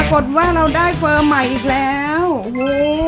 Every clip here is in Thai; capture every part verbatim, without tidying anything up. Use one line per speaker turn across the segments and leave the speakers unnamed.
ากฏว่าเราได้เฟอร์ใหม่อีกแล้วโอ้โห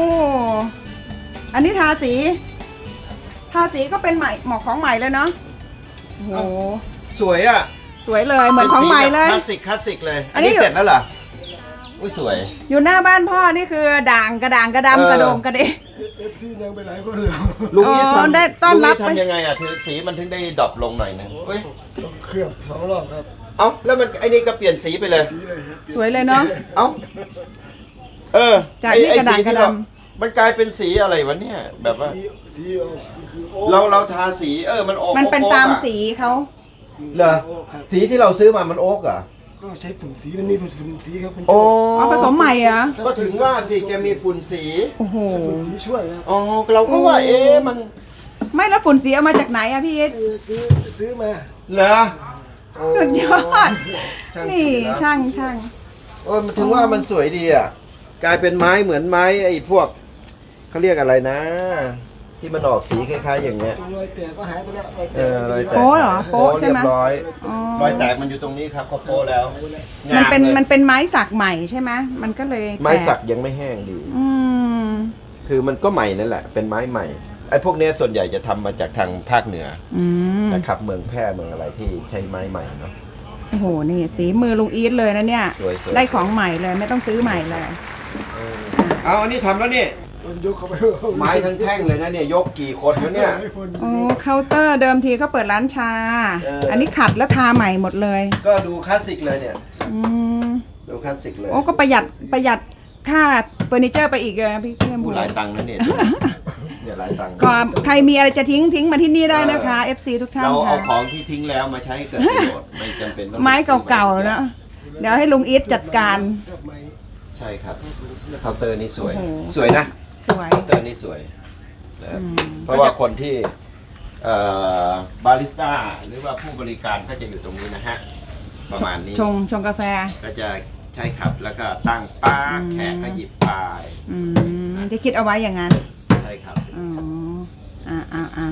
อันนี้ทาสีทาสีก็เป็นใหม่หมอกของใหม่เลยเนาะโอ้โห
สวยอ่ะ
สวยเลยเหมือนของใหม่เลย
คลาสสิกคลาสสิกเลย
อั
อั
น
น
นี้
นี้เสร็จแล้วเหรออุ้ยสวย
อยู่หน้าบ้านพ่อนี่คือด่างกระด่างกระดำกระโดงกระเดะ
เอฟซียังไปหลายคนเลย
ลุงนี่
อ๋อ
ทำ
ได้ต้อนรับ
ลุงทำยังไงอ่ะถือสีมันถึงได้ดรอปลงหน่อยนึงเฮ้ย
ต้องเคลือบสองรอบครับ
เอ้าแล้วมันไอ้นี่ก็เปลี่ยนสีไปเลย
สีเลยครับ
สวยเลยเนาะ
เอ้าเออ
จาก
ไอ้
ที่
ไอ้
กระดาษ
สี
กระ
ที่
ด
เรามันกลายเป็นสีอะไรวะเนี่ยแบบว่า
สีสีออกคือโอ๊
เราเราทาสีเออมันโอ๊ก
ำมันเป็น
โอ๊ก
ตาม
อะ
สีเขา
เหรอ
โครับ
สีที่เราซื้อมามันโอ๊กเหรอ
ก็ใช้ฝุ่นสีมันมีฝุ่นสีครับเป็น
โอ้
อ๋อผสมใหม่เหรอ
ก็ถึงว่าสิแกมีฝุ่นสี
โอ้โห
ฝุ่นสีช่วยครับ
อ๋อเราก็ว่าเอ๊ะมัน
ไม่แล้วฝุ่นสีเอามาจากไหนอะพี่เอส
เออซื้อซื้อมา
เหรอโอ้
สุดยอด
ช่าง
นี่
สีะ
ช่างช่าง
เออมันถึงว่ามันสวยดีอ่ะกลายเป็นไม้เหมือนไม้ไอ้พวกเขาเรียกอะไรนะ ที่มันออกสีคล้ายๆอย่างเงี้ย
ตรงรอยแตกก็หายไปแล้วรอยแต
เอก อรอยแตก
โป๊ะเหรอโป๊ะใช่
เรีย
ไหม
บร้อย
อ๋อ
รอยแตกมันอยู่ตรงนี้ครับเขาโป๊ะแล้ว
มันเป็น
งามลย
มันเป็นไม้สักใหม่ใช่ไหมมันก็เลย
ไม้สัก
แต
ยังไม่แห้งดี
อืม
คือมันก็ใหม่นั่นแหละ เป็นไม้ใหม่ไอ้พวกเนี้ยส่วนใหญ่จะทำมาจากทางภาคเหนือ
อืม
นะครับเมืองแพร่เมืองอะไรที่ใช้ไม้ใหม่เนาะ
โอ้โหนี่ฝีมือลุงอีทเลยนะเนี่ย
สวยๆ
ได้ของใหม่เลยไม่ต้องซื้อใหม่เลย
เอาอันนี้ทำแล้วนี่
มันยกเข้าไป
ไม้ทั้งแท่งเลยนะเนี่ยยกกี่คนวะเนี่ย
หลายคน
โอ้เคาน์เตอร์เดิมทีเขาเปิดร้านชา
เอออั
อันนี้ขัดแล้วทาใหม่หมดเลย
ก็ดูคลาสสิกเลยเนี่ย
อืม
ดูคลาสสิกเลย
โอ้ก็ประหยัดประหยัดค่าเฟอร์นิเจอร์ไปอีกเลยนะพี่เพื่อน
พูดหลายตังค์นะเนี่ยเนี่ยหลายตังค์
ก็ใครมีอะไรจะทิ้งทิ้งมาที่นี่ได้นะคะ เอฟ ซี ทุกท่าน
เราเอา
ค่ะ
ของที่ทิ้งแล้วมาใช้ให้เกิดประโยชน์ไม่จำเป็นต้อง
ไม้เก่าๆนะเดี๋ยวให้ลุงอีทจัดการ
เคลือบไม้
ใช่ครับเคาน์เตอร์นี่สวย
โอ้โห
สวยนะ
สวย
เคาน์เตอร์นี่สวยนะครับ
อืม
เพราะว่าคนที่เอ่อบาริสต้าหรือว่าผู้บริการก็จะอยู่ตรงนี้นะฮะประมาณนี้
ชงชงกาแฟ
ก็จะใช้ขับแล้วก็ตั้งป้า
อืม
แขกก็หยิบไป
อืมที่คิดเอาไว้อย่างนั้น
ใช่ครับ
อ๋ออ่าอ่าอ่า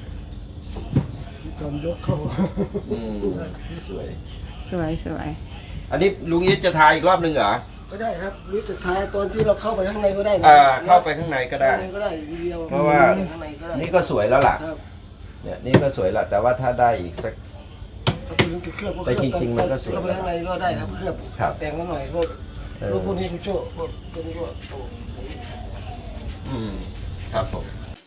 ตอนยกเข้า
อืมสวย
สวยสวย
อันนี้ลุงอีทจะทายอีกรอบหนึ่งเหรอ
ก็ได้ครับหรือสุดท้ายตอนที่เราเข้าไปข้างในก็ได้นะ
เอ่อเข้าไปข้างในก็ได้
ข้างในก็ได้ทีเดียว
เพราะว่า
ข้างในก็ได้
นี่ก็สวยแล้วล่ะ
ครับ
เนี่ยนี่ก็สวยละแต่ว่าถ้าได้อีกสัก
ถ้าคุณจะเคลือบก็
แต่
เคลือบ
จริงๆมันก็สวย
เข้าไปข้างในก็ได้ครับเคลือบ
ครับ
แต่งนิดหน่อยก็
เออ
รูปพวกนี้คุณโจ้พวกพวกนี้ก็โอ้
อืมครับผม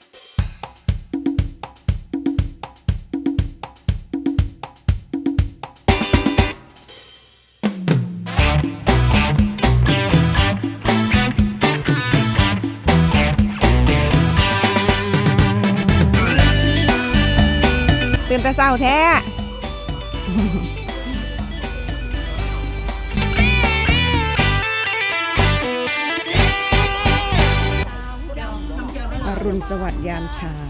ตื่นแต่เช้าแท้อรุณสวัสดิ์ยามเช้า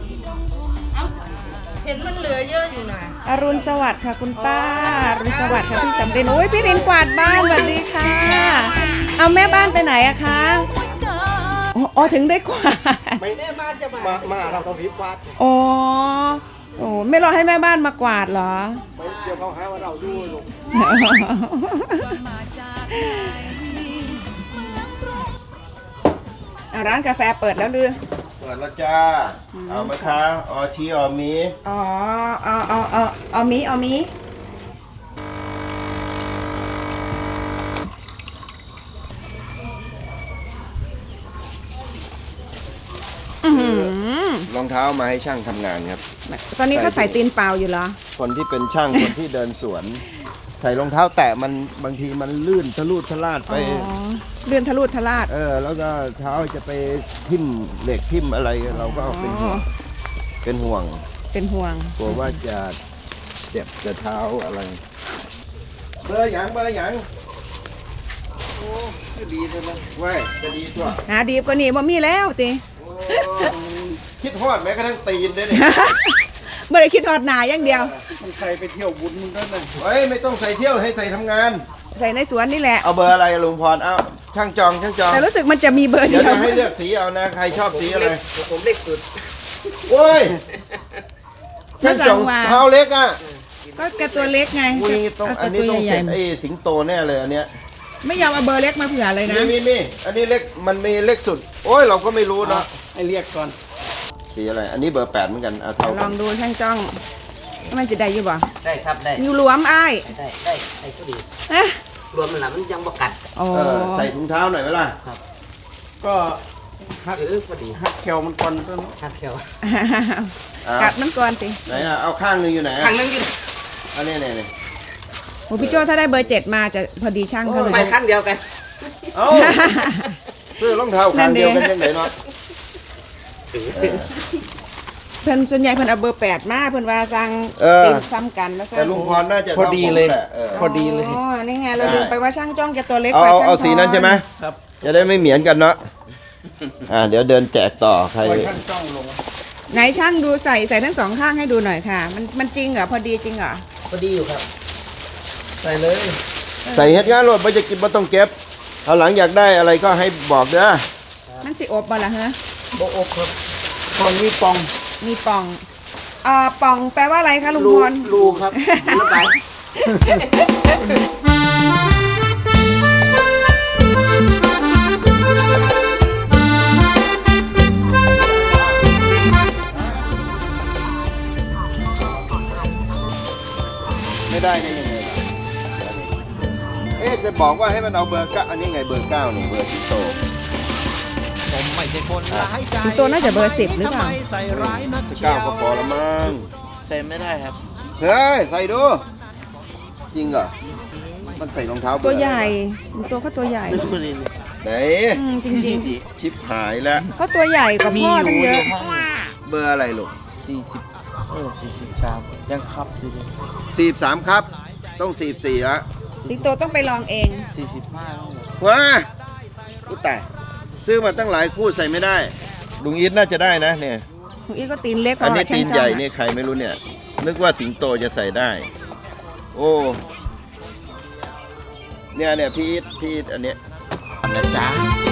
เห็นมันเหลือเยอะอยู่นะ
อรุณสวัสดิ์ค่ะคุณป้าอรุณสวัสดิ์ค่ะพี่สำเร็จโอ้ยพี่รินกวาดบ้านสวัสดีค่ะ เอาแม่บ้านไปไหนอะคะอ๋ออ๋อถึงได้กวาด
ไม่มามาเราต้องรีบวาด
อ๋อโอ้ไม่รอให้แม่บ้านมากวาดเหรอ
ไม่เดี๋ยวเขาหาว่าเราดูลูก
อ่ะร้านกาแฟเปิดแล้วหรือ
เปิดแล้วจ้า เอาไหมคะออชีออมี
อ๋อเอาเอาเอาเอามีเอามีอื้อหือ
รองเท้ามาให้ช่างทำงานครับ
ตอนนี้เขาใส่ตีนเปล่าอยู่เหรอ
คนที่เป็นช่าง คนที่เดินสวน ใส่รองเท้าแตะมันบางทีมันลื่นทะลุทะลาดไป
อ๋อเลื่อนทะลุทะลาด
เออ แล้วก็เท้าจะไปทิ่มเหล็กทิ่มอะไรเราก็เป็นห่วงเป็นห่วง
เป็นห่วง
กลัวว่าจะเจ็บจะเท้าอะไร เบอร์หยังเบอร์หยังโอ้จะดีใช่ไหมเว้ยจะดีตัว
หาดีกว่านี้บ่มีแล้วติ
โอ้คิดฮอดแม้กระทั่งตีนได้เนี่ย
บ่ได้คิดทอดหนาอย่างเดียว
มันใครไปเที่ยวบุญมึงก็นั่น
เฮ้ยไม่ต้องใส่เที่ยวให้ใส่ทำงาน
ใส่ในสวนนี่แหละ
เอาเบอร์อะไรลุงพรเอาช่างจองช่างจอง
แต่รู้สึกมันจะมีเบอร์
เดี๋
เดี
ยว
ยว
จะให้เลือกสีเอานะใครชอบสีอะไร
ผมเล็กสุด
โอ้ยช่างจองเท้าเล็กอ่ะ
ก็แกตัวเล็กไง
อุ้ยต้อง
เา
อันนี้
ตัว
ต้อง
ให
เสร็
ญ่
จไอ้สิงโตแน่เลยอันเนี้ย
ๆไม่ยอมเอาเบอร์เล็กมาเผื่อเลยนะ
มีมีมีอันนี้เล็กมันมีเล็กสุด โอ้ยเราก็ไม่รู้เนาะ
ให้เรียกก่อน
สีอะไรอันนี้เบอร์แปดเหมือนกันเอาเท่า
ล
กั
อน งดูช่างจ้องมันจะได้อยู่บ่
ได้ครับได้
อยู่หลวมอ้าย
ได้ได้ได้ก็ดี
นะ
รวมมันหละมันยังบกัด
โอ้
เออใส่ถุงเท้าหน่อยไหมล่ะ
ก็หัก
เออพอดี
หักแควมันก่อนต้น
หักแถว
อ่ะ
กัดมันก่อนสิ
ไหนอ่ะเอาข้างหนึงอยู่ไหนอ่ะ
ทางนึงอยู่
อันนี้นี่นี่
โอ้พี่โจถ้าได้เบอร์เจ็ดมาจะพอดีช่างเขาเลย
ไปข้างเดียวกัน
เอ้าซื้อรองเท้าข้างเดียวกันยังไงเนาะเออ
เพิ่นส่วนใหญ่เพิ่นเอาเบอร์แปดมาเพิ่นว่าสั่ง
เออ
ติ่มซ้ำกันแล้ว
แต่ลุงพรน่าจะ
พอดีเลย
ท่าผมแหะเออ
พอดีเลย
อ๋อนี่ไงเราลืมไปว่าช่างจ้องแกตัวเล็ก
เอา
กว่า
เอา
ช่าง
เอาสีนั้นใช่ไหม
ครับ
จะได้ไม่เหมือนกันเนาะอ่าเดี๋ยวเดินแจกต่อใคร
ปล่อยข้างจ้องลง
ไหนช่างดูใส่ใส่ทั้งสองข้างให้ดูหน่อยค่ะ มันมันจริงเหรอพอดีจริงเหรอ
พอดีอยู่ครับ
ใส่เลย
ใส่เฮ็ดงานรถไม่จะกินไม่ต้องเก็บเอาหลังอยากได้อะไรก็ให้บอกเด้อ
มันสิอบบ่ล่ะฮะ
โบอบครับตอนนี้ปอง
มีป่องอ่าป่องแปลว่าอะไรคะลุง
รู
พร
รูครับรูไป
ไม่ได้ได้ยังไงล่ะเอ๊ะจะบอกว่าให้มันเอาเบอร์เก้าอันนี้ไงเบอร์เก้านี่เบอร์สิงโต
ผมไม่ใช่คนร้ายใจ
สิงโตน่าจะเบอร์สิบหรือเปล่า
ทำไมใส่ร้ายนักเชี
เก้า
ยว
ก็พอละมั้ง
ใส่ไม่ได้ครับ
เฮ้ยใส่ดูจริงเหรอมันใส่รองเท้าเบอร์
ตัวใหญ่สิงโตเขาตัวใหญ่
ไหน
อืมจริง
ชิปหายแล้ว
ๆเขาตัวใหญ่กว่าพ่อตั้งเยอะ
เบอร์อะไรลูก
สี่สิบเออสี่สิบสามยังครับอยู่เลย
สี่สามครับ ต้องสี่สี่ละ
สิงโตต้องไปลองเอง
สี่สิบห้า
ว้าอุยตายซื้อมาตั้งหลายคู่ใส่ไม่ได้ ลุงอีทน่าจะได้นะเนี่ย
ลุงอีทก็ตีนเล็กก
อัน
ว่า
นี้
ช่าง
ตีน
จ้อง
ใหญ่
อะ
นี่ใครไม่รู้เนี่ย นึกว่าสิงโตจะใส่ได้ โอ้เนี่ยเนี่ยพี่อีทพี่อีทอันเนี้ย
นะจ๊ะ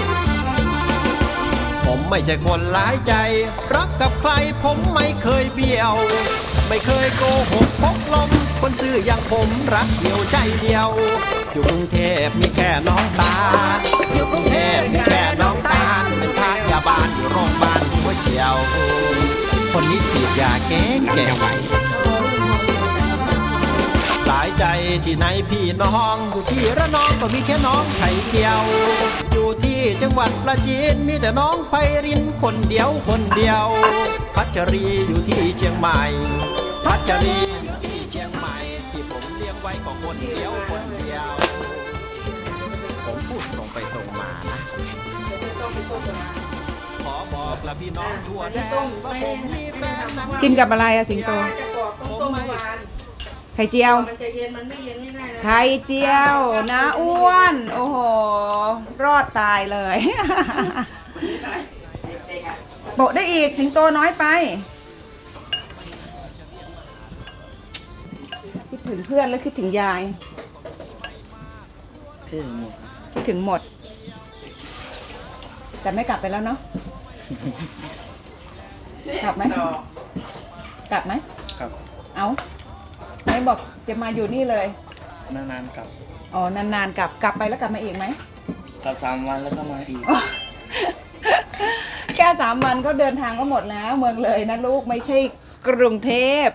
ผมไม่ใช่คนร้ายใจ รักกับใครผมไม่เคยเบี้ยว ไม่เคยโกหกพกลม คนซื่ออย่างผมรักเดียวใจเดียว อยู่กรุงเทพมีแค่น้องตาลอยู่กรุงเทพมีแค่น้องตาลเป็นพยาบาลอยู่โรงพยาบาลหัวเฉียว คนนี้ฉีดยาแก้แก้ไวหลายใจที่ไหนพี่น้อง อยู่ที่ระนองก็มีแค่น้องไข่เกียว อยู่ที่จังหวัดประจีนมีแต่น้องไพรินคนเดียวคนเดียว พัชรีอยู่ที่เชียงใหม่ พัชรีอยู่ที่เชียงใหม่ ที่ผมเลี้ยงไว้ก็คนเดียวคนเดียว ผมพูดตรงไปตรงมานะ ขอบอกละพี่น้องทั่วแดนว่าผมมีแฟนนั้น
กินกับอะไรอะสิงโต
จะกรอบต้มเมื่อวาน
ไข่เจียว
มันจะเย็นมันไม่เย็นง่ายๆนะ
ไข่เจียวนะอ้วน โอ้โห รอดตายเลย โปะได้อีกสิงโตน้อยไป คิดถึงเพื่อนแล้วคิดถึงยาย
ถึง
คิดถึงหมด แต่ไม่กลับไปแล้วเนาะ กลับไหม กลับไหม
ครับ
เอาไหนบอกจะมาอยู่นี่เลย
นานๆกลับ
อ๋อ นานๆกลับ กลับไปแล้วกลับมาอีกไหม
กลับสามวันแล้วก็มาอีก
แค่สามวันก็เดินทางก็หมดแล้ว เมืองเลยนะลูกไม่ใช่กรุงเทพ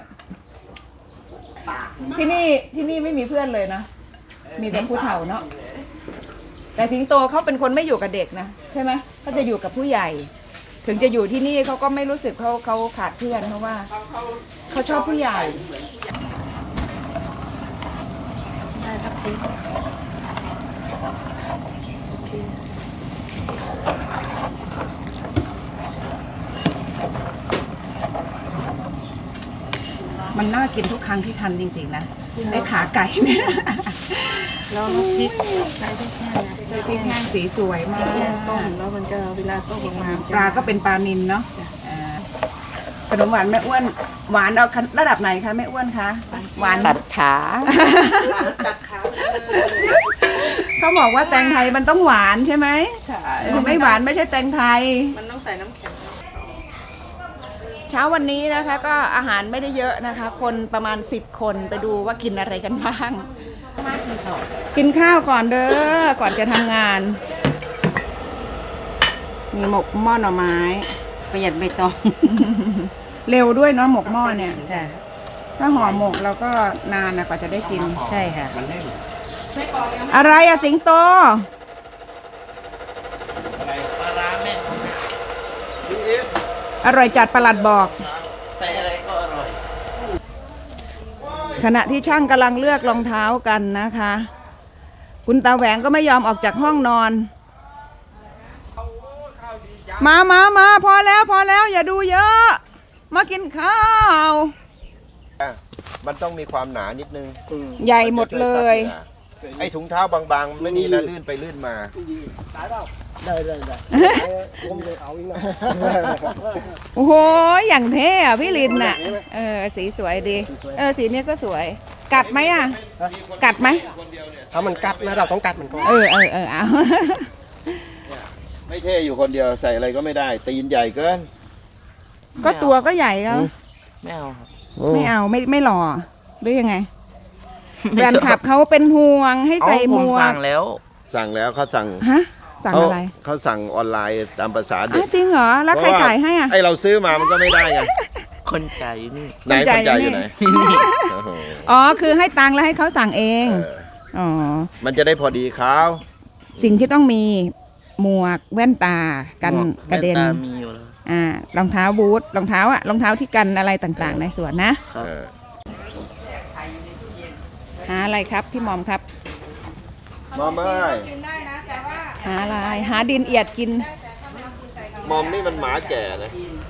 ที่นี่ที่นี่ไม่มีเพื่อนเลยนะ มีแต่ผู้เฒ่าเนาะ แต่สิงโตเขาเป็นคนไม่อยู่กับเด็กนะใช่ไหมเขาจะอยู่กับผู้ใหญ่ ถึงจะอยู่ที่นี่เขาก็ไม่รู้สึกเขาเขาขาดเพื่อนเพราะว่าเขาชอบผู้ใหญ่ มันน่ากินทุกครั้งที่ทำจริงๆนะไอ้ขาไก่เนี่ย
แล้วพริกใช้พริกแห้งนะ
ใช้พริกแห้งสีสวยมาก
แห้งต้มแล้วมันจะเวลาต้มออกมา
ปลาก็เป็นปลานิลเนาะอ่าขนมหวานแม่อ้วน หวานเอาระดับไหนคะแม่อ้วนคะหวาน
ตัดขา
ตัดขา
เขาบอกว่าแตงไทยมันต้องหวานใช่ไหม
ใช่
เออไม่หวานไม่ใช่แตงไทย
มันต้องใส่น้ำแข็ง
เช้าวันนี้นะคะก็อาหารไม่ได้เยอะนะคะ คนประมาณสิบคนไปดูว่ากินอะไรกันบ้างกินข้าวก่อนเด้อ ก่อนจะทำงาน มีหมกหม้อหน่อไม้
ประหยัดใบตอง
เร็วด้วยเนาะหมกหม้อเนี่ย
ใช่
ถ้าห่อหมกเราก็นานนะกว่าจะได้กิน
ใช่ค่ะ
อะไรอะสิงโต อร่อยจัดประหลัดบอก
ใส่อะไรก็อร่อย
ขณะที่ช่างกำลังเลือกรองเท้ากันนะคะ คุณตาแหวงก็ไม่ยอมออกจากห้องนอน มามามาพอแล้วพอแล้วอย่าดูเยอะ มากินข้าว
มันต้องมีความหนานิดนึง
ใหญ่หมดเลย
ไอ้ถุงเท้าบางๆ ไม่ดีนะลื่นไปลื่นมา
โอ้โห อย่างเท่อะพี่ลินน่ะ เออ สีสวยดี เออ สีเนี้ยก็สวย กัดไหมอะกัดไหม
ถ้ามันกัดนะเราต้องกัดมันก่อน
เออเออเออเอา
ไม่เท่อยู่คนเดียวใส่อะไรก็ไม่ได้ ตีนใหญ่เกิน
ก็ตัวก็ใหญ่แล้ว
ไม่เอาครับ
ไม่เอาไม่ไม่หล่อหรือยังไงแฟนคลับเขาเป็นห่วงให้ใส่หม
ผม
วก
สั่งแล้ว
สั่งแล้วเขาสั่ง
ฮะ สั่ง
เขา
อะไร
เขาสั่งออนไลน์ตามภาษาเด็
อ้าก วจริงเหรอ แล้วใครจ่ายให้อ่ะ
ไอเราซื้อมามันก็ไม่ได้ไง
คนจ่ายอยู่นี่
ไหนคนจ่ายอยู่ไหนโอ้โห
อ๋อ คือให้ตังค์แล้วให้เขาสั่งเอง
เออ
อ๋อ
มันจะได้พอดีเขา
สิ่งที่ต้องมีหมวกแว่นตากันกระเด็น
แว่ตามีอยู่แล้ว
อ่ารองเท้าบูทรองเท้าอะรองเท้าที่กันอะไรต่างๆ ในสวนนะ
ครับ
เออ
หาอะไรครับพี่หมอมครับ
มอมเอ้ย
หาอะไรหาดินเอียดกิน
มอมนี่มันหมาแก่นะ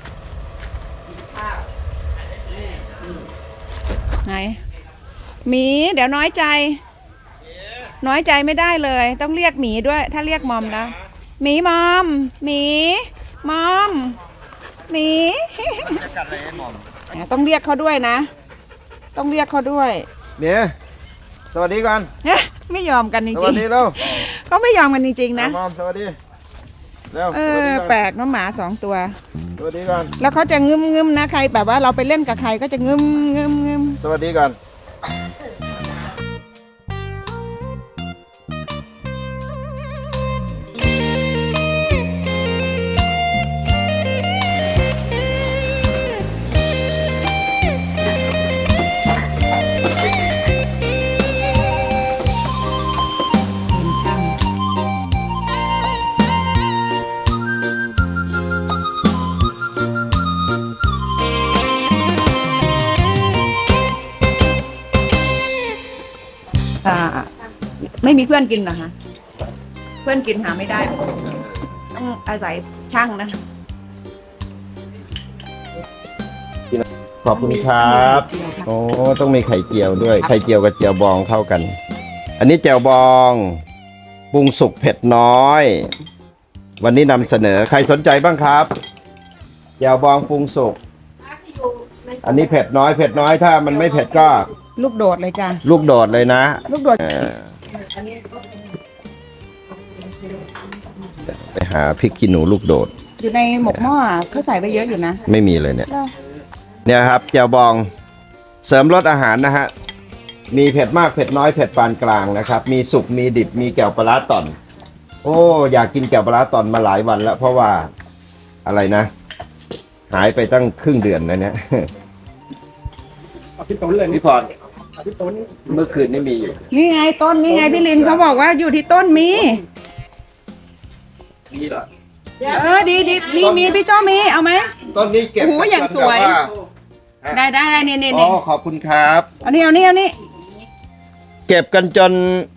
ไหนหมีเดี๋ยวน้อยใจ น้อยใจไม่ได้เลย ต้องเรียกหมีด้วย ถ้าเรียกมอมแล้วหมีมอมหมีมอมหมี
จะกัดอะไรมอม
ต้องเรียกเขาด้วยนะ ต้องเรียกเขาด้วย
เมียสวัสดีก่อน
เอ๊ะไม่ยอมกันจ
ส
ริ
วัส
ง
ดีเร็ว
ๆเขาไม่ยอมกันจริงๆนะ
มอมสวัสดีเร็ว
เอ
สวัส
อ
ดีก่อน
แปลกเน้องหมาสองตัว
สวัสดีก่อน
แล้วเขาจะงึมงึมๆนะใครแบบว่าเราไปเล่นกับใครก็จะงึมงึมงึม
สวัสดีก่อน
อ่าไม่มีเพื่อนกินเหรอคะเพื่อนกินหาไม่ได้ ต้องอาศัยช่างนะ
ขอบคุณครับ โอ้ต้องมีไข่เจียวด้วย ไข่เจียวกับเจียวบองเข้ากัน อันนี้เจียวบองปรุงสุกเผ็ดน้อย วันนี้นำเสนอใครสนใจบ้างครับเจียวบองปรุงสุก อันนี้เผ็ดน้อยเผ็ดน้อยถ้ามันไม่เผ็ดก็
ลูกโดดเลยจ้ะ
ลูกโดดเลยนะ
ลูกโดด
เออไปหาพริกขี้หนูลูกโดด
อยู่ในหมกหม้อเขาใส่ไปเยอะอยู่นะ
ไม่มีเลยเนี่ย เนี่ยครับเจียวบองเสริมรสอาหารนะฮะ มีเผ็ดมากเผ็ดน้อยเผ็ดปานกลางนะครับ มีสุกมีดิบมีแก้วปลาร้าต่อน โอ้อยากกินแก้วปลาร้าต่อนมาหลายวันแล้ว เพราะว่าอะไรนะ หายไปตั้งครึ่งเดือนนะเนี่ย
เอาพี่ต้นเลย
พี่พร
เอาพี่ต้น
เมื่อคืนนี่มีอยู่
นี่ไงต้นนี่ไงพี่ลินเขาบอกว่าอยู่ที่ต้นมี
มีเหรอ
เออดีดีมีมีพี่เจ้ามีเอาไหม
ต้นนี้เก็บ
โอ้โหอย่างสวย
แบบา
ได้ได้ได้นี่นี่
อ๋
นี่
อขอบคุณครับ
เอานี่เอานี่เอานี่
เก็บกันจน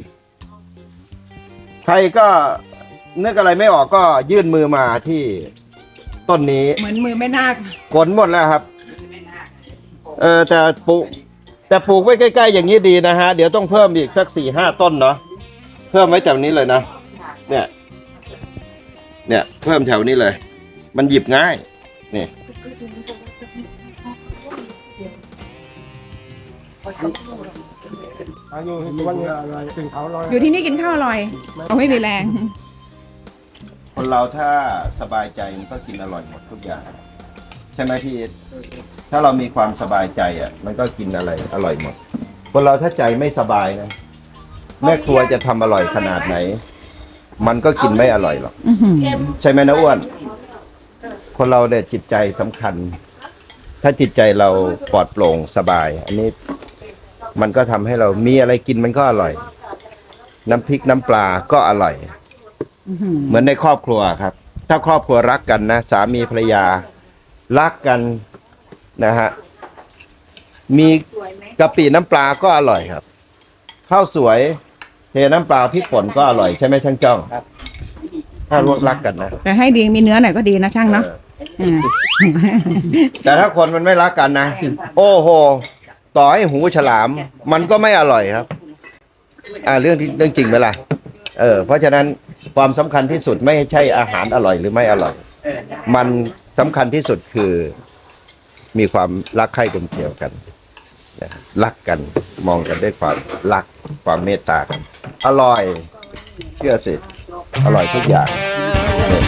ใครก็นึกอะไรไม่ออกก็ยื่นมือมาที่ต้นนี้
เหมือนมือไม่นาค
ขนหมดแล้วครับ เออแต่ปลูกแต่ปลูกไว้ใกล้ๆอย่างนี้ดีนะฮะ เดี๋ยวต้องเพิ่มอีกสักสี่ห้าต้นเนาะเพิ่มไว้แถวนี้เลยนะเนี่ย เนี่ย เพิ่มแถวนี้เลย มันหยิบง่ายนี่
อายุวันอะไรถึงเขาลอย
อยู่ที่นี่กินข้าวอร่อยเอาไม่มีแรง
คนเราถ้าสบายใจมันก็กินอร่อยหมดทุกอย่าง ใช่ไหมพี่อิทถ้าเรามีความสบายใจอ่ะ มันก็กินอะไรอร่อยหมด คนเราถ้าใจไม่สบายนะแม่ครัวจะทำอร่อยขนาดไหน มันก็กินไม่อร่อยหรอก
อื้อหือ
ใช่ไหมนะอ้วน คนเราเนี่ยจิตใจสำคัญ ถ้าจิตใจเราปลอดโปร่งสบาย อันนี้มันก็ทำให้เรามีอะไรกินมันก็อร่อย น้ำพริกน้ำปลาก็อร่อย
อื้อหือ
เหมือนในครอบครัวครับ ถ้าครอบครัวรักกันนะสามีภรรยารักกันนะฮะมีกะปิน้ำปลาก็อร่อยครับข้าวสวยเทน้ำปลาพริกป่นก็อร่อยใช่ไหมช่างจ้องถ้ารักกันนะ
แต่ให้ดีมีเนื้อหน่อยก็ดีนะช่างเนาะ
เออ
อ่า
แต่ถ้าคนมันไม่รักกันนะ โอ้โห ต่อให้หูฉลาม มันก็ไม่อร่อยครับ อ่าเรื่องที่เรื่องจริงไหมล่ะเออเพราะฉะนั้นความสำคัญที่สุดไม่ใช่อาหารอร่อยหรือไม่อร่อย มันสำคัญที่สุดคือมีความรักใคร่กลมเกลียวกันนะรักกันมองกันด้วยความรักความเมตตากัน อร่อย เชื่อสิ อร่อยทุกอย่างเนี่ย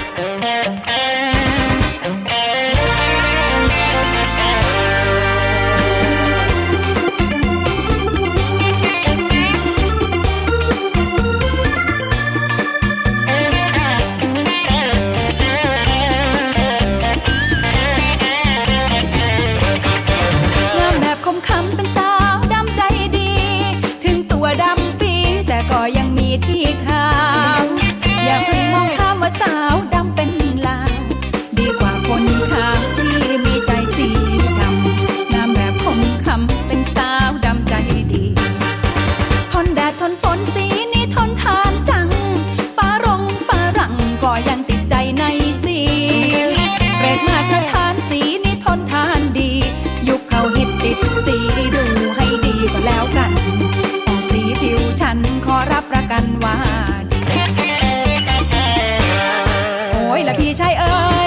งามแบบคมคำเป็นสาวดำใจดี ถึงตัวดำปีแต่ก็ยังมีที่ขาว อย่าเพิ่งมองข้ามว่าสาวดำเป็นลาว ดีกว่าคนขาวที่มีใจสีดำ งามแบบคมคำเป็นสาวดำใจดี ทนแดดทนฝนสีนี้ทนทานจัง ฟ้ารงฟ้ารังก็ยังติดใจในสีเปรตมาตรฐานสีนี้ทนทานดี ยุคเขาฮิตติดสีดูให้ดีก็แล้วกันแต่สีผิวฉันขอรับประกันว่าดีโอ้ยละพี่ชายเอ๋